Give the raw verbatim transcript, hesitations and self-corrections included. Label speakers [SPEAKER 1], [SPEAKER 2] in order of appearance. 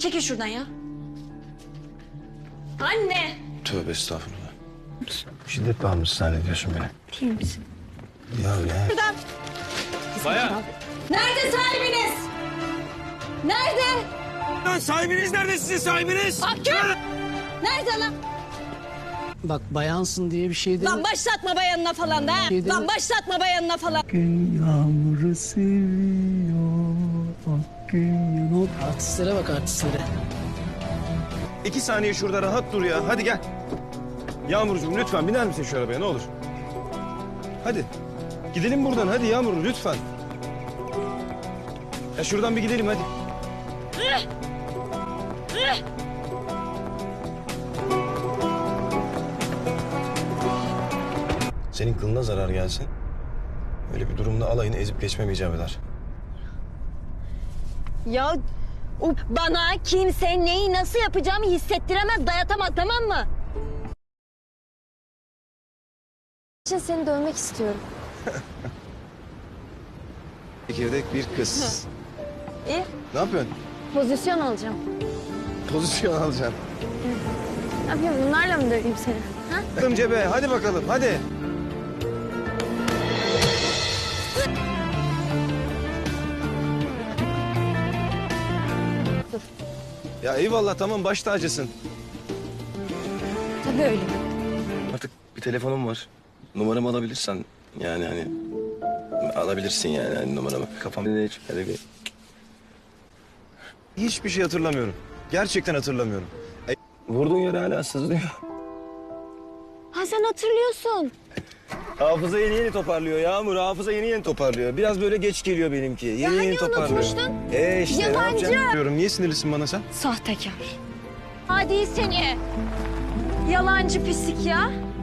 [SPEAKER 1] Çekil şuradan ya. Anne.
[SPEAKER 2] Tövbe estağfurullah. Şiddet bağımlısı zannediyorsun beni.
[SPEAKER 1] Değil misin?
[SPEAKER 2] Ya ne?
[SPEAKER 1] Şuradan.
[SPEAKER 2] Baya.
[SPEAKER 1] Nerede sahibiniz? Nerede?
[SPEAKER 2] Lan sahibiniz nerede, sizin sahibiniz?
[SPEAKER 1] Hakkı! Nerede lan?
[SPEAKER 3] Bak bayansın diye bir şey değil.
[SPEAKER 1] Lan başlatma bayanına falan da ha.
[SPEAKER 3] Şey değil
[SPEAKER 1] Lan
[SPEAKER 3] mi?
[SPEAKER 1] başlatma bayanına falan.
[SPEAKER 3] Gün yağmuru seviyor. Bak gün yağmuru. Artistlere bak artistlere.
[SPEAKER 2] İki saniye şurada rahat dur ya. Hadi gel. Yağmurcuğum lütfen biner misin şu arabaya ne olur? Hadi. Gidelim buradan hadi Yağmur lütfen. Ya şuradan bir gidelim hadi. Senin kılına zarar gelsin. Öyle bir durumda alayını ezip geçmem icap eder.
[SPEAKER 1] Ya o bana kimse neyi nasıl yapacağımı hissettiremez, dayatamaz, tamam mı?
[SPEAKER 4] için seni dövmek istiyorum.
[SPEAKER 2] Çekirdek bir kız.
[SPEAKER 4] İyi.
[SPEAKER 2] Ne yapıyorsun?
[SPEAKER 4] Pozisyon alacağım.
[SPEAKER 2] Pozisyon alacaksın.
[SPEAKER 4] Ne yapayım, bunlarla mı döveyim seni? Ha?
[SPEAKER 2] Attım cebe hadi bakalım hadi.
[SPEAKER 4] Dur.
[SPEAKER 2] Ya eyvallah tamam baş tacısın.
[SPEAKER 4] Tabii öyle.
[SPEAKER 2] Artık bir telefonum var. Numaramı alabilirsen yani hani alabilirsin yani hani numaramı. Kafamda ne hiç öyle bir... Hiçbir şey hatırlamıyorum. Gerçekten hatırlamıyorum. E, vurduğun yer hala sızlıyor.
[SPEAKER 4] Ha sen hatırlıyorsun.
[SPEAKER 2] Hafıza yeni yeni toparlıyor Yağmur. Hafıza yeni yeni toparlıyor. Biraz böyle geç geliyor benimki. Yeni
[SPEAKER 4] Ya
[SPEAKER 2] yeni
[SPEAKER 4] hani
[SPEAKER 2] toparlıyor.
[SPEAKER 4] unutmuştun?
[SPEAKER 2] E işte
[SPEAKER 4] Yalancı.
[SPEAKER 2] ne yapacağım diyorum. Niye sinirlisin bana sen?
[SPEAKER 1] Sahtekar. Hadi seni. Yalancı pislik ya.